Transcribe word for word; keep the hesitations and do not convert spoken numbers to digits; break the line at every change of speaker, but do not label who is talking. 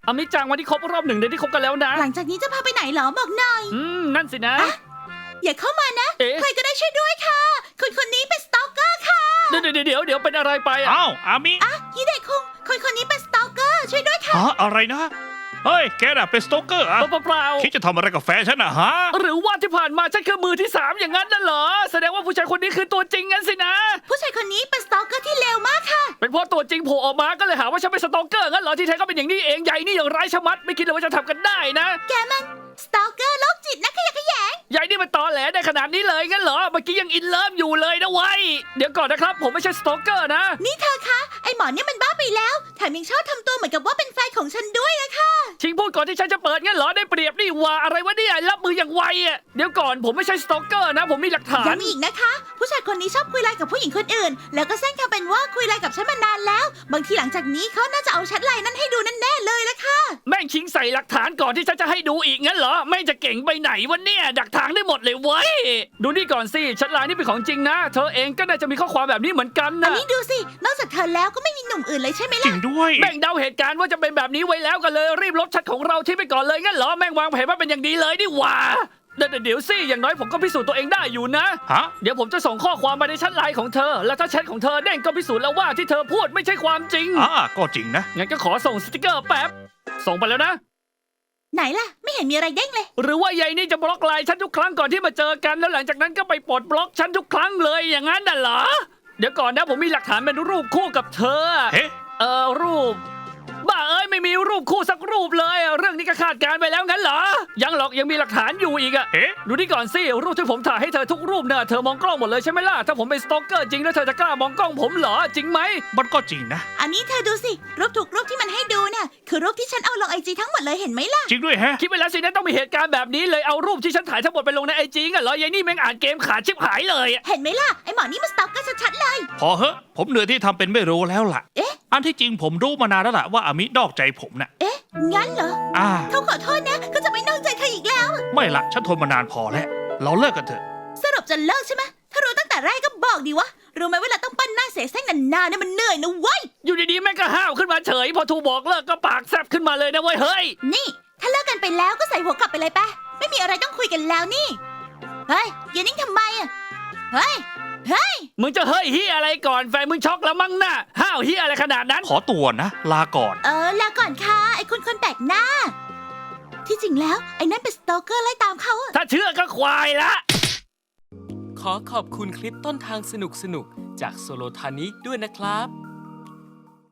อามิจังวันที่ครบรอบหนึ่งเดือนที่คบกันแล้วนะ
หลังจากนี้จะพาไปไหนเหรอบอกหน่อย
อืมนั่นสินะ
อย่าเข้ามานะ
เอ๊ะ
ใครก็ได้ช่วยด้วยค่ะคนคนนี้เป็นสตอกเกอร์ค่ะ
เดี๋ยวเดี๋ยวเดี๋ยวเดี๋ยวเป็นอะไรไปอ่ะ
อ้าวอามิ
ฮิเดะคุงคนคนนี้เป็นสตอกเกอร์ช่วยด้วยค่ะ
ฮะอะไรนะ เฮ้ย แกน่ะเป็นสโตเกอร์อะ
เปล่าเปล่า
คิดจะทำอะไรกับแฟนฉันน่ะฮะ
หรือว่าที่ผ่านมาฉันคือมือที่สามอย่างนั้นน่ะเหรอแสดงว่าผู้ชายคนนี้คือตัวจริงงั้นสินะ
ผู้ชายคนนี้เป็นสตอกเกอร์ที่เลวมากค่ะ
เป็นเพราะตัวจริงโผล่ออกมาก็เลยหาว่าฉันเป็นสตอกเกอร์งั้นเหรอที่แท้ก็เป็นอย่างนี้เองใหญ่นี่อย่างร้ายชะมัดไม่คิดเลยว่าจะทำกันได้นะ
แกมันสตอกเกอร์โรคจิตนะขยะแขยง
ใหญ่นี่มันตอแหลได้ขนาดนี้เลยงั้นเหรอเมื่อกี้ยังอินเลิฟอยู่เลยนะเว้ยเดี๋ยวก่อนนะครับผมไม่ใช่สตอกเกอร์นะ
นี่เธอคะไอหมอเนี่ยมันบ้าไปแล้วแถมยังชอบทำตัวเหมือนกับว่าเป็นแฟนของฉันด้วยอะค่ะ
ชิงพูดก่อนที่ฉันจะเปิดงั้นเหรอได้เปรียบนี่หว่าอะไรวะเนี่ยรับมืออย่างไวอ่ะเดี๋ยวก่อนผมไม่ใช่สตอกเกอร์นะ ผมมีหลักฐาน
ย้ำอีกนะคะ ผู้ชายคนนี้ชอบคุยไลน์กับผู้หญิงคนอื่น แล้วก็แซงทำเป็นว่าคุยไลน์กับฉันมานานแล้ว บางทีหลังจากนี้เขาน่าจะเอาแชทไลน์นั้นให้ดูแน่ๆเลยละค่ะ
แม่งชิงใส่หลักฐานก่อนที่ฉันจะให้ดูอีกงั้นเหรอแม่งจะเก่งไปไหนวะเนี่ยดักทางได้หมดเลยเว้ยดูนี่ก่อนสิแชทไลน์นี่เป็นของจริงนะ เธอเองก็น่าจะมีข้อความแบบนี้เหมือนกัน
อัน
นะ
นี้ดูสิ นอกจากเธอแล้วก็ไม่มีหนุ่มอื่นเลยใช่ไหม
จริ
ล่ะ
งด้วย
แม่งเดาเหตุการณ์ว่าจะเป็นแบบนี้ไว้แล้วกันเลยรีบลบแชทของเราทิ้งไปก่อนเลยงั้นเหรอแม่งวางแผนมาเป็นอย่างดีเลยนี่หว่าเดี๋ยวเดี๋ยวสิอย่างน้อยผมก็พิสูจน์ตัวเองได้อยู่นะ
ฮะ
เดี๋ยวผมจะส่งข้อความมาในแชทไลน์ของเธอ แล้วถ้าแชทของเธอเด้งก็พิสูจน์แล้วว่าที่เธอพูดไม่ใช่ความจริง
อ่าก็จริงนะ
งั้นก็ขอส่งสติกเกอร์แป๊บ ส่งไปแล้วนะ
ไหนล่ะ ไม่เห็นมีอะไรเด้งเลย
หรือว่ายายนี่จะบล็อกไลน์ฉันทุกครั้งก่อนที่มาเจอกัน แล้วหลังจากนั้นก็ไปปลดบล็อกฉันทุกครั้งเลยอย่างนั้นน่ะเหรอ เดี๋ยวก่อนนะผมมีหลักฐานเป็นรูปคู่กับเธอ
เฮ้
เออรูป บ้าเอ้ยไม่มีรูปคู่สักรูปเลยเรื่องนี้ก็คาดการณ์ไปแล้วงั้นเหรอ ยังหรอกยังมีหลักฐานอยู่อีกอะ
เฮ้
ดูนี่ก่อนสิรูปที่ผมถ่ายให้เธอทุกรูปเนี่ยเธอมองกล้องหมดเลยใช่ไหมล่ะถ้าผมเป็นสตอกเกอร์จริงแล้วเธอจะกล้ามองกล้องผมเหรอจริงไหม
มันก็จริงนะ
อันนี้เธอดูสิ รูปถูกรูปที่มันให้ดูเนี่ยคือรูปที่ฉันเอาลงไอจีทั้งหมดเลยเห็นไหมล่ะ
จริงด้วยแฮะ
คิดไปแล้วสินะต้องมีเหตุการณ์แบบนี้เลยเอารูปที่ฉันถ่ายทั้งหมดไปลงในไอจีงั้นเหรอยายนี่แม่งอ่านเกมขาดชิบหายเลยอะ
เห็นไหมล่ะ ไอหมอนี่มันสตอกเกอร์ชัดๆเลย
พอเหอะผมเหนื่อยที่ทำเป็นไม่รู้แล้วล่ะ
เอ๊ะ
อันที่จริงผมรู้มานานแล้วล่ะว่าอามินอกใจผมน่ะ
เอ๊ะ งั้นเหรอ
อ่า
เขาขอโทษนะเขาจะไม่นอกใจเธออีกแล้ว
ไม่ละฉันทนมานานพอแล้ว เราเลิกกันเถอะ
สรุปจะเลิกใช่ไหมถ้ารู้ตั้งแต่แรกก็บอกดีวะ รู้ไหมเวลาต้องปั้นหน้าเสียเส้นนานๆเนี่ยมันเหนื่อยนะเว้ย
อยู่ดีๆแม่งก็ห้าวขึ้นมาเฉย พอทูบอกเลิกก็ปากแซบขึ้นมาเลยนะเว้ยเฮ้ย
นี่ ถ้าเลิกกันไปแล้วก็ใส่หัวกลับไปเลยปะไม่มีอะไรต้องคุยกันแล้วนี่ เฮ้ยอย่านิ่งทำไมอะเฮ้ย เฮ้ย
มึงจะเฮ้ยเฮียอะไรก่อนแฟนมึงช็อกแล้วมั้งน่ะห้าวเฮียอะไรขนาดนั้น
ขอตัวนะ ลาก่อน
เออลาก่อนค่ะไอ้คนคนแปลกหน้า ที่จริงแล้วไอ้นั่นเป็นสตอกเกอร์ไล่ตามเขาอะ
ถ้าเชื่อก็ควายละ
ขอขอบคุณคลิปต้นทางสนุกๆ จากโซโลทานิด้วยนะครับ